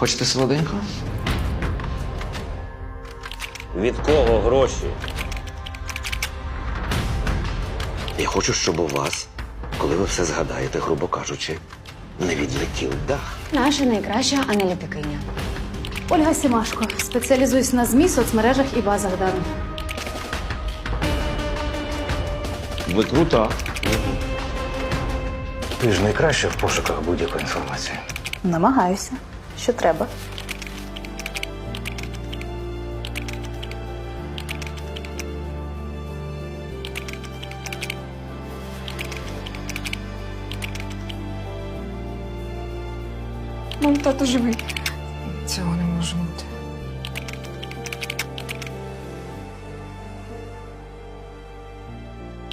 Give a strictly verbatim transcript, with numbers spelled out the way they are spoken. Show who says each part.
Speaker 1: Хочете солоденько?
Speaker 2: Від кого гроші? Я хочу, щоб у вас, коли ви все згадаєте, грубо кажучи, не відлетів дах.
Speaker 3: Наша найкраща аналітикиня.
Speaker 4: Ольга Сімашко. Спеціалізуюсь на ЗМІ, соцмережах і базах даних.
Speaker 1: Ви крута.
Speaker 5: Ти ж найкраще в пошуках будь-якої інформації.
Speaker 4: Намагаюся. Що треба?
Speaker 6: Мам, тато живий.
Speaker 7: Цього не може бути.